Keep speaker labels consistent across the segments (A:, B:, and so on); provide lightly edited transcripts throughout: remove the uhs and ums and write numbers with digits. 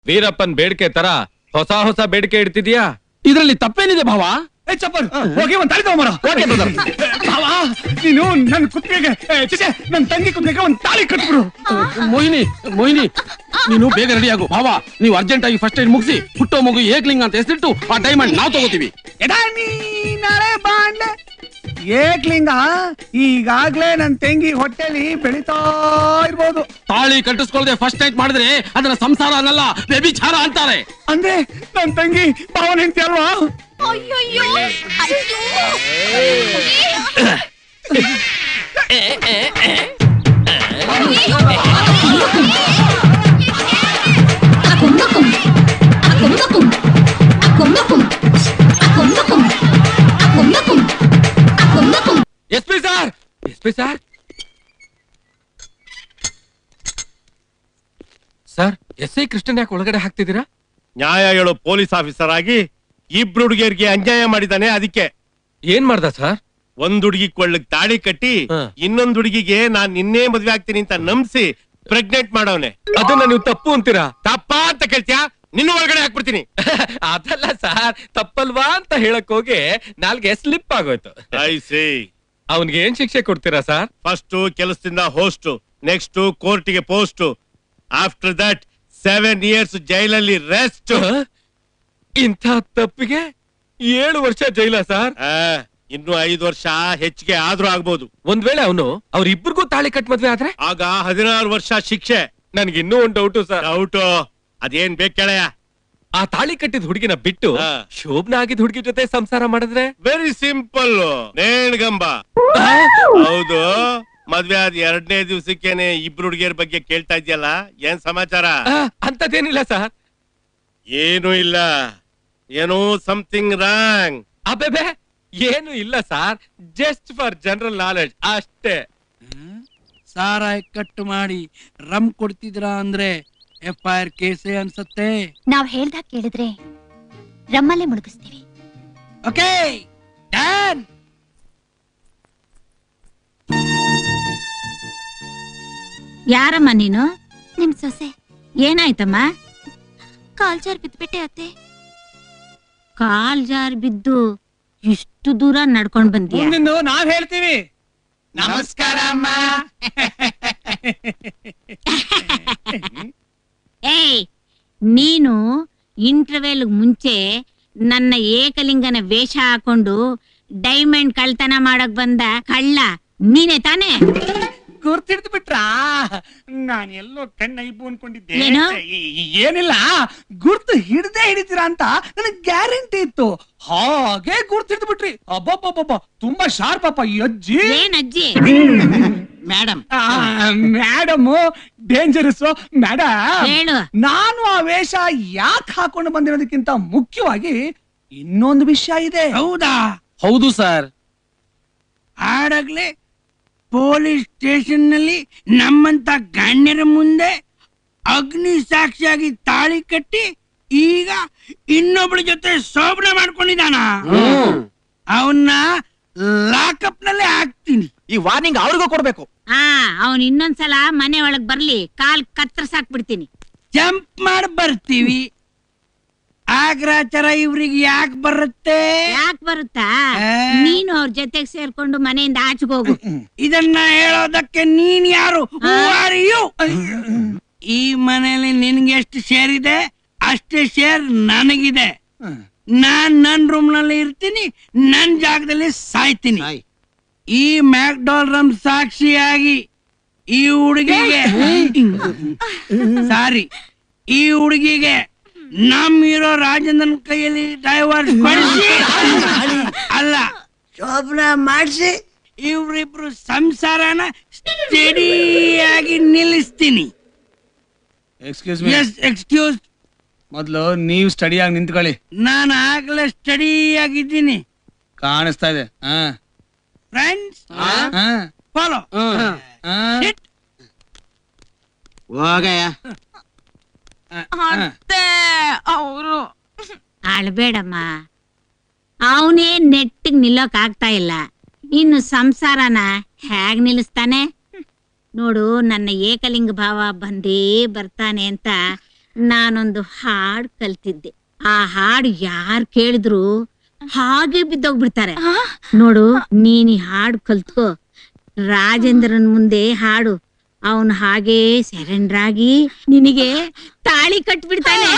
A: ವೀರಪ್ಪನ್ ಬೇಡಿಕೆ ತರ ಹೊಸ ಹೊಸ ಬೇಡಿಕೆ ಇಡ್ತಿದ್ಯಾ?
B: ಇದ್ರಲ್ಲಿ ತಪ್ಪೇನಿದೆ ಭಾವ?
C: ಚಪ್ಪಲ್ ಹೋಗಿ ಒಂದ್ ತಾಳಿ ತಗೊಂಬರ. ನೀನು ನನ್ ಕುತ್ತಿಗೆಗೆ ನನ್ ತಂಗಿ ಕುತ್ತಿಗೆಗೆ ಒಂದ್ ತಾಳಿ ಕಟ್ಬಿಡು.
B: ಮೋಹಿನಿ ನೀನು ಬೇಗ ರೆಡಿ ಆಗು. ಭಾವ ನೀವು ಅರ್ಜೆಂಟ್ ಆಗಿ ಫಸ್ಟ್ ಏಡ್ ಮುಗಿಸಿ ಹುಟ್ಟೋ ಮಗು ಏಕ್ಲಿಂಗ್ ಅಂತ ಹೆಸರಿಟ್ಟು ಆ ಡೈಮಂಡ್ ನಾವು ತಗೋತೀವಿ.
C: ನಾಳೆ ಬಾಂಡೆ ಏಕ್ಲಿಂಗ ಈಗಾಗ್ಲೇ ನನ್ ತಂಗಿ ಹೊಟ್ಟೆಲಿ ಬೆಳಿತಾ ಇರ್ಬೋದು.
B: ತಾಳಿ ಕಟ್ಟಿಸ್ಕೊಳ್ಳದೆ ಫಸ್ಟ್ ನೈಟ್ ಮಾಡಿದ್ರೆ ಅದನ್ನ ಸಂಸಾರ ಅನ್ನಲ್ಲ, ವ್ಯಭಿಚಾರ ಅಂತಾರೆ.
C: ಅಂದ್ರೆ ನನ್ ತಂಗಿ ಭಾವನ ಹೆಂಡ್ತಿ ಅಲ್ವಾ?
A: SP sir, SP sir, sir SI. Krishnan ಯಾಕೆ ಒಳಗಡೆ ಹಾಕ್ತಿದ್ದೀರಾ?
D: ನ್ಯಾಯ ಹೇಳೋ ಪೊಲೀಸ್ ಆಫೀಸರ್ ಆಗಿ ಇಬ್ರು ಹುಡುಗಿಯರಿಗೆ ಅನ್ಯಾಯ ಮಾಡಿದಾನೆ. ಅದಕ್ಕೆ
A: ಏನ್ ಮಾಡ್ದ ಸರ್?
D: ಒಂದ್ ಹುಡುಗಿ ಕೊಳ್ಳಕ್ ತಾಳಿ ಕಟ್ಟಿ ಇನ್ನೊಂದ್ ಹುಡುಗಿಗೆ ನಾನ್ ನಿನ್ನೆ ಮದ್ವೆ ಆಗ್ತೀನಿ ಅಂತ ನಂಬಿಸಿ ಪ್ರೆಗ್ನೆಂಟ್ ಮಾಡವನೆ.
A: ಅದನ್ನ ನೀವು ತಪ್ಪು ಅಂತೀರಾ?
D: ತಪ್ಪಾ ಅಂತ ಕೇಳ್ತೀಯಾ? ನಿನ್ನ ಒಳಗಡೆ ಹಾಕ್ಬಿಡ್ತೀನಿ.
A: ಅದಲ್ಲ ಸರ್, ತಪ್ಪಲ್ವಾ ಅಂತ ಹೇಳಕ್ ಹೋಗಿ ನಾಲ್ಗೆ ಸ್ಲಿಪ್ ಆಗೋಯ್ತು.
D: I see.
A: ಅವನ್ಗೆ ಏನ್ ಶಿಕ್ಷೆ ಕೊಡ್ತೀರಾ ಸರ್?
D: ಫಸ್ಟ್ ಕೆಲಸದಿಂದ ಹೋಸ್ಟ್, ನೆಕ್ಸ್ಟ್ ಕೋರ್ಟಿಗೆ ಪೋಸ್ಟ್, ಆಫ್ಟರ್ ದಟ್ 7 years ಜೈಲಲ್ಲಿ ರೆಸ್ಟ್.
A: ಇಂಥ ತಪ್ಪಿಗೆ 7 ವರ್ಷ ಜೈಲ ಸರ್?
D: ಇನ್ನು 5 ವರ್ಷ ಹೆಚ್ಚಿಗೆ ಆದ್ರೂ ಆಗ್ಬೋದು.
A: ಒಂದ್ ವೇಳೆ ಅವನು ಅವ್ರಿಬ್ರಿಗೂ ತಾಳಿ ಕಟ್ ಮದ್ವೆ ಆದ್ರೆ
D: ಆಗ 16 ವರ್ಷ ಶಿಕ್ಷೆ.
A: ನನ್ಗೆ ಇನ್ನೂ ಒಂದ್ ಡೌಟು ಸರ್.
D: ಡೌಟು? ಅದೇನ್ ಬೇಕು ಕೇಳಯ್ಯ.
A: ಆ ತಾಳಿ ಕಟ್ಟಿದ ಹುಡುಗಿನ ಬಿಟ್ಟು ಶೋಭನ ಆಗಿದ್ ಹುಡುಗಿ ಜೊತೆ ಸಂಸಾರ ಮಾಡಿದ್ರೆ?
D: ವೆರಿ ಸಿಂಪಲ್, ನೇಣ್ಗಂಬ. ಹೌದು, ಮದ್ವೆ ಆದ 2ನೇ ದಿವಸಕ್ಕೇನೆ ಇಬ್ರು ಹುಡುಗಿಯರ ಬಗ್ಗೆ ಕೇಳ್ತಾ ಇದ್ಯಲ್ಲ, ಏನ್ ಸಮಾಚಾರ?
A: ಅಂತದೇನಿಲ್ಲ ಸರ್.
D: ಏನು ಇಲ್ಲ, ಏನೋ ಸಮಥಿಂಗ್ ರಾಂಗ್.
A: ಅಬ್ಬೆ ಏನು ಇಲ್ಲ sir, just for general knowledge ಅಷ್ಟೇ.
E: ಸಾರಾಯ್ ಕಟ್ ಮಾಡಿ ರಮ್ ಕೊಡ್ತಿದ್ರಾ ಅಂದ್ರೆ FIR ಕೇಸೇ ಅನ್ಸತ್ತೆ.
F: ನಾವ್ ಹೇಳ್ದಾಗ ಕೇಳಿದ್ರೆ ರಮ್ಮಲ್ಲೇ ಮುಳುಗಿಸ್ತೀವಿ.
E: Okay done.
F: ಯಾರಮ್ಮ ನೀನು? ನಿಮ್ ಸೊಸೆ. ಏನಾಯ್ತಮ್ಮ? ಕಾಲ್ ಜಾರ್ ಬಿದ್ಬಿಟ್ಟೆ ಅತ್ತೆ. ಕಾಲ್ ಜಾರ್ ಬಿದ್ದು ಇಷ್ಟು ದೂರ ನಡ್ಕೊಂಡ್ ಬಂದ್ಯಾ?
C: ನಾವ್ ಹೇಳ್ತೀವಿ.
E: ನಮಸ್ಕಾರ ಅಮ್ಮ.
F: ಏಯ್, ನೀನು ಇಂಟರ್ವೆಲ್ ಮುಂಚೆ ನನ್ನ ಏಕಲಿಂಗನ ವೇಷ ಹಾಕೊಂಡು ಡೈಮಂಡ್ ಕಳ್ತನ ಮಾಡಕ್ ಬಂದ ಕಳ್ಳ ನೀನೆ ತಾನೇ?
C: ಗುರ್ತಿಡ್ದು ಬಿಟ್ರಾ? ನಾನು ಎಲ್ಲೋ ಕಣ್ಣೈಬು ಅನ್ಕೊಂಡಿದ್ದೆ.
F: ಏನು?
C: ಏನಿಲ್ಲ, ಗುರ್ತು ಹಿಡ್ದೇ ಹಿಡಿತೀರಾ ಅಂತ ನನಗೆ ಗ್ಯಾರಂಟಿ ಇತ್ತು. ಹಾಗೆ ಗುರ್ತಿಡ್ದು ಬಿಟ್ರಿ. ಅಬ್ಬಬ್ಬಬ್ಬ, ತುಂಬಾ ಶಾರ್ಪ್ ಅಪ್ಪ ಈ ಅಜ್ಜಿ.
F: ಏನ್ ಅಜ್ಜಿ?
E: ಮೇಡಮ್.
C: Madam dangerous. ಮೇಡಮ್
F: ಹೇಳು.
C: ನಾನು ಆ ವೇಷ ಯಾಕೆ ಹಾಕೊಂಡು ಬಂದಿರೋದಕ್ಕಿಂತ ಮುಖ್ಯವಾಗಿ ಇನ್ನೊಂದು ವಿಷಯ ಇದೆ.
E: ಹೌದಾ?
B: ಹೌದು ಸರ್.
E: ಆಡಾಗ್ಲೇ ಪೊಲೀಸ್ ಸ್ಟೇಷನ್ ನಲ್ಲಿ ನಮ್ಮಂತ ಗಣ್ಯರ ಮುಂದೆ ಅಗ್ನಿ ಸಾಕ್ಷಿಯಾಗಿ ತಾಳಿ ಕಟ್ಟಿ ಈಗ ಇನ್ನೊಬ್ಳ ಜೊತೆ ಶೋಭನೆ ಮಾಡ್ಕೊಂಡಿದ್ದಾನ. ಅವನ್ನ ಲಾಕಪ್ ನಲ್ಲಿ ಹಾಕ್ತೀನಿ.
B: ಈ ವಾರ್ನಿಂಗ್ ಅವ್ರಿಗೂ ಕೊಡ್ಬೇಕು.
F: ಅವನ್ ಇನ್ನೊಂದ್ಸಲ ಮನೆ ಒಳಗ್ ಬರ್ಲಿ, ಕಾಲ್ ಕತ್ತರ್ಸಾಕ್ಬಿಡ್ತೀನಿ.
E: ಜಂಪ್ ಮಾಡಿ ಬರ್ತೀವಿ. ಆಗ್ರಾಚಾರ ಇವ್ರಿಗೆ ಯಾಕೆ ಬರುತ್ತೆ?
F: ಯಾಕೆ ಬರುತ್ತಾ? ನೀನು ಅವ್ರ ಜೊತೆಗೆ ಸೇರ್ಕೊಂಡು ಮನೆಯಿಂದ ಆಚೆಗೆ ಹೋಗು.
E: ಇದನ್ನ ಹೇಳೋದಕ್ಕೆ ನೀನ್ ಯಾರು? Who are you? ಈ ಮನೆಯಲ್ಲಿ ನಿನ್ಗೆ ಎಷ್ಟು ಶೇರ್ ಇದೆ ಅಷ್ಟೇ ಶೇರ್ ನನಗಿದೆ. ನಾನ್ ನನ್ ರೂಮ್ ನಲ್ಲಿ ಇರ್ತೀನಿ, ನನ್ ಜಾಗದಲ್ಲಿ ಸಾಯ್ತೀನಿ. ಈ ಮ್ಯಾಕ್ಡೋನಲ್ಡ್ ಸಾಕ್ಷಿಯಾಗಿ ಈ ಹುಡುಗಿಗೆ ಸಾರಿ, ಈ ಹುಡುಗಿಗೆ ನಮ್ ಹೀರೋ ರಾಜೇಂದ್ರನ್ ಕೈಯಲ್ಲಿ ಡೈವರ್ಸ್ ಕೊಡಿಸಿ ಅಲ್ಲ ಶೋಭನ ಮಾಡಿಸಿ ಇವ್ರಿಬ್ರು ಸಂಸಾರನ ಸ್ಟಡಿಯಾಗಿ ನಿಲ್ಲಿಸ್ತೀನಿ.
C: Excuse me.
E: ಎಕ್ಸ್ಕ್ಯೂಸ್.
C: ಮೊದ್ಲು ನೀವು ಸ್ಟಡಿಯಾಗಿ ನಿಂತ್ಕೊಳ್ಳಿ.
E: ನಾನು ಆಗ್ಲೇ ಸ್ಟಡಿ ಆಗಿದ್ದೀನಿ.
C: ಕಾಣಿಸ್ತಾ ಇದೆ.
E: Friends follow.
B: ಹೋಗಯ್ಯ.
F: ಅವರು ಅಳ್ಬೇಡಮ್ಮ, ಅವನೇ ನೆಟ್ಟಿಗ್ ನಿಲ್ಲೋಕ್ ಆಗ್ತಾ ಇಲ್ಲ, ಇನ್ನು ಸಂಸಾರನ ಹೇಗ್ ನಿಲ್ಲಿಸ್ತಾನೆ? ನೋಡು, ನನ್ನ ಏಕಲಿಂಗ ಭಾವ ಬಂದೇ ಬರ್ತಾನೆ ಅಂತ ನಾನೊಂದು ಹಾಡ್ ಕಲ್ತಿದ್ದೆ. ಆ ಹಾಡು ಯಾರ್ ಕೇಳಿದ್ರು ಹಾಗೆ ಬಿದ್ದೋಗ್ಬಿಡ್ತಾರೆ. ನೋಡು, ನೀನ್ ಈ ಹಾಡು ಕಲ್ತ್ಕೋ, ರಾಜೇಂದ್ರನ್ ಮುಂದೆ ಹಾಡು, ಅವನು ಹಾಗೆ ಸರೆಂಡರ್ ಆಗಿ ನಿನಗೆ ತಾಳಿ ಕಟ್ಬಿಡ್ತಾನೆ.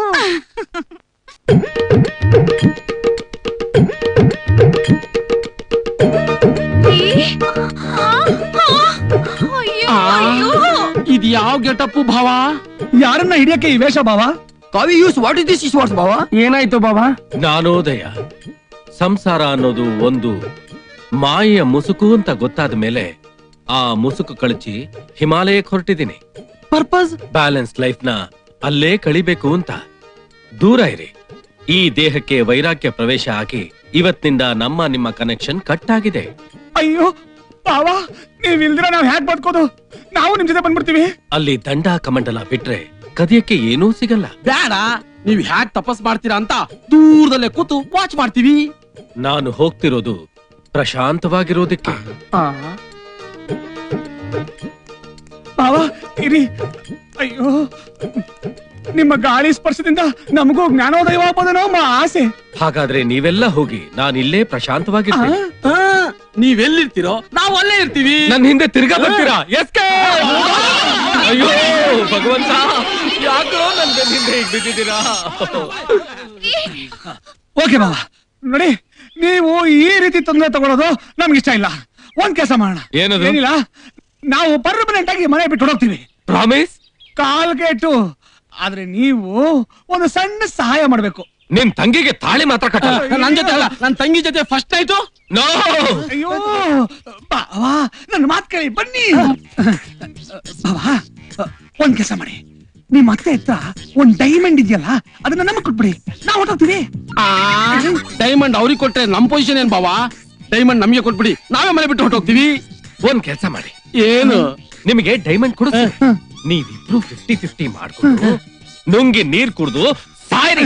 B: ಇದು ಯಾವ ಗೆಟಪ್ಪು ಭಾವ?
C: ಯಾರನ್ನ ಹಿಡಿಯಕ್ಕೆ ಈ ವೇಷ ಬಾವ?
G: ಕಾವಿ use what is this is ಬಾವ?
C: ಏನಾಯ್ತು ಬಾವ?
A: ಜ್ಞಾನೋದಯ. ಸಂಸಾರ ಅನ್ನೋದು ಒಂದು ಮಾಯೆಯ ಮುಸುಕು ಅಂತ ಗೊತ್ತಾದ ಮೇಲೆ ಆ ಮುಸುಕು ಕಳಚಿ ಹಿಮಾಲಯಕ್ಕೆ ಹೊರಟಿದ್ದೀನಿ.
G: ಪರ್ಪಸ್?
A: ಬ್ಯಾಲೆನ್ಸ್ ಲೈಫ್ ನ ಅಲ್ಲೇ ಕಳಿಬೇಕು ಅಂತ. ದೂರ ಇರಿ. ಈ ದೇಹಕ್ಕೆ ವೈರಾಗ್ಯ ಪ್ರವೇಶ ಆಗಿ ಇವತ್ತಿನಿಂದ ನಿಮ್ಮ ಕನೆಕ್ಷನ್ ಕಟ್ ಆಗಿದೆ.
C: ಅಯ್ಯೋ ಬಾವ, ನೀವ್ ಇಲ್ದಿರ ನಾವ್ ಹ್ಯಾಕ್ ಬದುಕೋದು? ನಾವು ನಿಮ್ ಜೊತೆ ಬಂದ್ಬಿಡ್ತೀವಿ.
A: ಅಲ್ಲಿ ದಂಡ ಕಮಂಡಲ ಬಿಟ್ರೆ ಕದಿಯಕ್ಕೆ ಏನೂ ಸಿಗಲ್ಲ.
B: ಬೇಡ, ನೀವ್ ಹ್ಯಾಕ್ ತಪಸ್ ಮಾಡ್ತೀರಾ ಅಂತ ದೂರದಲ್ಲೇ ಕೂತು ವಾಚ್ ಮಾಡ್ತೀವಿ.
A: ನಾನು ಹೋಗ್ತಿರೋದು ಪ್ರಶಾಂತವಾಗಿರೋದಕ್ಕೆ.
C: ಬಾವ ಇರಿ. ಅಯ್ಯೋ, ನಿಮ್ಮ ಗಾಳಿ ಸ್ಪರ್ಶದಿಂದ ನಮಗೂ ಜ್ಞಾನೋದಯವಾಗಬಹುದೇನೋ ನಮ್ಮ ಆಸೆ.
A: ಹಾಗಾದ್ರೆ ನೀವೆಲ್ಲ ಹೋಗಿ, ನಾನಿಲ್ಲೇ ಪ್ರಶಾಂತವಾಗಿರ್ತೀನಿ.
B: ನೀವೆಲ್ಲಿರ್ತೀರೋ ನಾವು ಅಲ್ಲೇ ಇರ್ತೀವಿ.
A: ನನ್ನ ಹಿಂದೆ ತಿರ್ಗಾ ಬರ್ತೀರಾ? ಅಯ್ಯೋ ಭಗವಂತ, ಯಾಕೋ ನನ್ ಹಿಂದೆ ಈಗ ಬಿದ್ದಿದ್ದೀರಾ?
C: ಓಕೆ ಬಾವ, ನೋಡಿ, ನೀವು ಈ ರೀತಿ ತೊಂದರೆ ತಗೊಳ್ಳೋದು ನಮ್ಗೆ ಇಷ್ಟ ಇಲ್ಲ. ಒಂದ್ ಕೆಲಸ ಮಾಡೋಣ.
A: ಏನದು?
C: ಏನಿಲ್ಲ, ನಾವು ಪರ್ಮನೆಂಟ್ ಆಗಿ ಮನೆ ಬಿಟ್ಟು ಹೊಡೋಗ್ತೀವಿ.
A: ಪ್ರಾಮಿಸ್?
C: ಕಾಲ್ಗೇಟು. ಆದ್ರೆ ನೀವು ಒಂದು ಸಣ್ಣ ಸಹಾಯ ಮಾಡ್ಬೇಕು.
A: ನಿನ್ ತಂಗಿಗೆ ತಾಳಿ ಮಾತ್ರ ಕಟ್ಟಲ್ಲ.
B: ನನ್ ಜೊತೆ ಅಲ್ಲ, ನನ್ ತಂಗಿ ಜೊತೆ ಫಸ್ಟ್ ಆಯ್ತು.
A: ನೋ.
C: ಅಯ್ಯೋ ಬಾವಾ, ನನ್ನ ಮಾತ್ ಕೇಳಿ ಬನ್ನಿ. ಬಾವಾ, ಒಂದ್ ಕೆಲಸ ಮಾಡಿ, ನಿಮ್ ಅತ್ತೆ ಹತ್ರ ಒಂದ್ ಡೈಮಂಡ್ ಇದೆಯಲ್ಲ, ಅದನ್ನ ನಮಗ್ ಕೊಟ್ಬಿಡಿ, ನಾವ್ ಹೊರಟೋಗ್ತೀವಿ.
B: ಡೈಮಂಡ್ ಅವ್ರಿಗೆ ಕೊಟ್ರೆ ನಮ್ ಪೊಸಿಷನ್ ಏನ್ ಬಾವಾ? ಡೈಮಂಡ್ ನಮಗೆ ಕೊಟ್ಬಿಡಿ, ನಾವೇ ಮನೆ ಬಿಟ್ಟು ಹೊರಟೋಗ್ತೀವಿ.
A: ಒಂದ್ ಕೆಲಸ ಮಾಡಿ,
B: ಏನು?
A: ನಿಮಗೆ ಡೈಮಂಡ್ ಕೊಡ, ನೀವಿಬ್ರು 50-50 ಮಾಡ್ಕೊಂಡು ನುಂಗಿ ನೀರ್ ಕುಡ್ದು ಸಾಯ್ರಿ.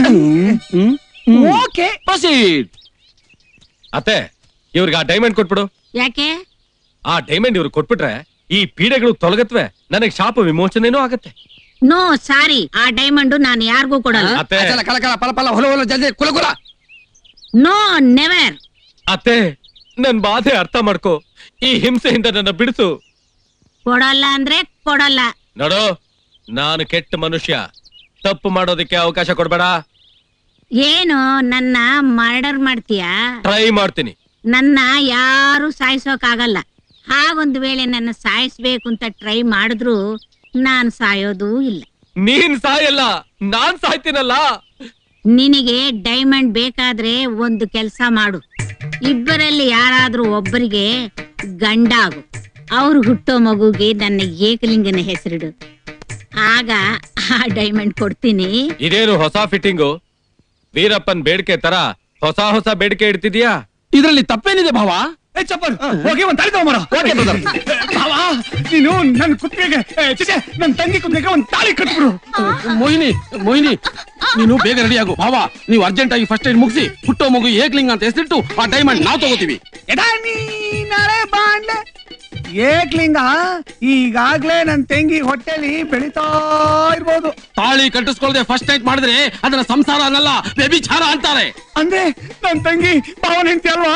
C: Okay,
B: proceed.
A: ಅತ್ತೆ, ಇವ್ರಿಗೆ ಆ ಡೈಮಂಡ್ ಕೊಟ್ಬಿಡು.
F: ಯಾಕೆ?
A: ಆ ಡೈಮಂಡ್ ಇವ್ರಿಗೆ ಕೊಟ್ಬಿಟ್ರೆ ಈ ಪೀಡೆಗಳು ತೊಲಗತ್ವೆ, ನನಗ್ ಶಾಪ ವಿಮೋಚನೆನೂ ಆಗತ್ತೆ.
F: ನೋ ಸಾರಿ, ಆ ಡೈಮಂಡ್ ನಾನು ಯಾರಿಗೂ ಕೊಡಲ್ಲ.
A: ಅತ್ತೆ,
G: ಕಲ ಕಲ ಪಲ ಪಲ ಹೊಲ ಹೊಲ ಜಲ್ದಿ ಕುಲ ಕುಲ.
F: No never.
A: ಅತ್ತೆ, ನನ್ ಬಾಧೆ ಅರ್ಥ ಮಾಡ್ಕೋ. ಈ ಹಿಂಸೆಯಿಂದ ನನ್ನ ಬಿಡಿಸು.
F: ಕೊಡಲ್ಲ ಅಂದ್ರೆ ಕೊಡಲ್ಲ.
A: ನೋಡು, ನಾನು ಕೆಟ್ಟ ಮನುಷ್ಯ, ತಪ್ಪು ಮಾಡೋದಕ್ಕೆ ಅವಕಾಶ ಕೊಡ್ಬೇಡ.
F: ಏನು ನನ್ನ ಮರ್ಡರ್ ಮಾಡ್ತೀಯಾ?
A: ಟ್ರೈ ಮಾಡ್ತೀನಿ.
F: ನನ್ನ ಯಾರು ಸಾಯಿಸೋಕಾಗಲ್ಲ. ಹಾಗೊಂದು ವೇಳೆ ನನ್ನ ಸಾಯಿಸ್ಬೇಕು ಅಂತ ಟ್ರೈ ಮಾಡಿದ್ರು ನಾನ್ ಸಾಯೋದೂ ಇಲ್ಲ.
A: ನೀನ್ ಸಾಯಲ್ಲ, ನಾನ್ ಸಾಯ್ತೀನಲ್ಲ.
F: ನಿನಗೆ ಡೈಮಂಡ್ ಬೇಕಾದ್ರೆ ಒಂದು ಕೆಲಸ ಮಾಡು, ಇಬ್ಬರಲ್ಲಿ ಯಾರಾದ್ರೂ ಒಬ್ಬರಿಗೆ ಗಂಡ ಆಗು. ಅವ್ರು ಹುಟ್ಟೋ ಮಗುಗೆ ನನ್ನ ಏಕಲಿಂಗನ ಹೆಸರಿಡು, ಆಗ ಆ ಡೈಮಂಡ್ ಕೊಡ್ತೀನಿ.
A: ಇದೇನು ಹೊಸ ಫಿಟ್ಟಿಂಗು? ವೀರಪ್ಪನ್ ಬೇಡಿಕೆ ತರ ಹೊಸ ಹೊಸ ಬೇಡಿಕೆ ಇಡ್ತಿದ್ಯಾ?
B: ಇದ್ರಲ್ಲಿ ತಪ್ಪೇನಿದೆ ಭಾವ?
C: ಚಪ್ಪಲ್ ಹೋಗಿ ಒಂದ್ ತಾಳಿ ತಗೊಂಬರ. ಬಾವಾ, ನೀನು ನನ್ ಕುತ್ತಿಗೆಗೆ, ನನ್ ತಂಗಿ ಕುತ್ತಿಗೆಗೆ ಒಂದ್ ತಾಳಿ ಕಟ್ಬಿಡು.
B: ಮೋಹಿನಿ, ಮೋಹಿನಿ, ನೀನು ಬೇಗ ರೆಡಿ ಆಗು. ಭಾವ, ನೀವು ಅರ್ಜೆಂಟ್ ಆಗಿ ಫಸ್ಟ್ ಏಡ್ ಮುಗಿಸಿ ಹುಟ್ಟೋ ಮಗು ಏಕ್ಲಿಂಗ್ ಅಂತ ಹೆಸರಿಟ್ಟು ಆ ಡೈಮಂಡ್ ನಾವು ತಗೋತೀವಿ.
C: ನಾಳೆ ಬಾಂಡೆ ಏಕ್ಲಿಂಗ ಈಗಾಗ್ಲೇ ನನ್ ತಂಗಿ ಹೊಟ್ಟೆಲಿ ಬೆಳಿತಾ ಇರ್ಬೋದು.
B: ತಾಳಿ ಕಟ್ಟಿಸ್ಕೊಳ್ಳದೆ ಫಸ್ಟ್ ನೈಟ್ ಮಾಡಿದ್ರೆ ಅದನ್ನ ಸಂಸಾರ ಅನ್ನಲ್ಲ, ವ್ಯಭಿಚಾರ ಅಂತಾರೆ.
C: ಅಂದ್ರೆ ನನ್ ತಂಗಿ ಭಾವನ ಹೆಂಡತಿ ಅಲ್ವಾ?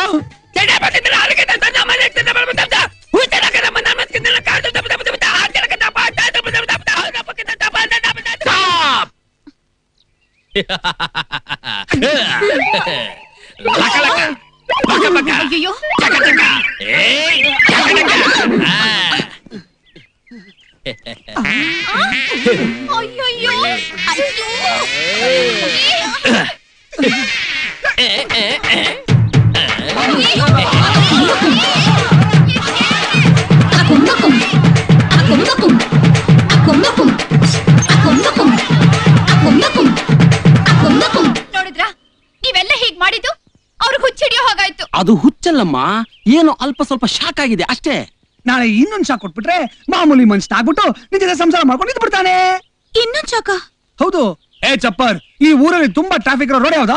H: ಅಯ್ಯೋ, ಅಯ್ಯಯ್ಯೋ, ನೋಡಿದ್ರಾ ನೀವೆಲ್ಲ ಹೀಗ್ ಮಾಡಿದ್ದು ಅವ್ರಿಗೆ ಹುಚ್ಚಿಡಿಯೋ ಹಾಗಾಯ್ತು.
B: ಅದು ಹುಚ್ಚಲ್ಲಮ್ಮ, ಏನೋ ಅಲ್ಪ ಸ್ವಲ್ಪ ಶಾಕ್ ಆಗಿದೆ ಅಷ್ಟೇ.
C: ನಾಳೆ ಇನ್ನೊಂದ್ ಶಾಕ್ ಕೊಟ್ಬಿಟ್ರೆ ಮಾಮೂಲಿ ಮನುಷ್ಯ ಆಗ್ಬಿಟ್ಟು ನಿನ್ ಜೊತೆ ಸಂಸಾರ ಮಾಡ್ಕೊಂಡು ಇದ್ದು ಬಿಡ್ತಾನೆ.
H: ಇನ್ನೊಂದ್ ಚಾಕ?
C: ಹೌದು. ಚಪ್ಪರ್, ಈ ಊರಲ್ಲಿ ತುಂಬಾ ಟ್ರಾಫಿಕ್ ಇರೋ ರೋಡ್ ಯಾವ್ದು?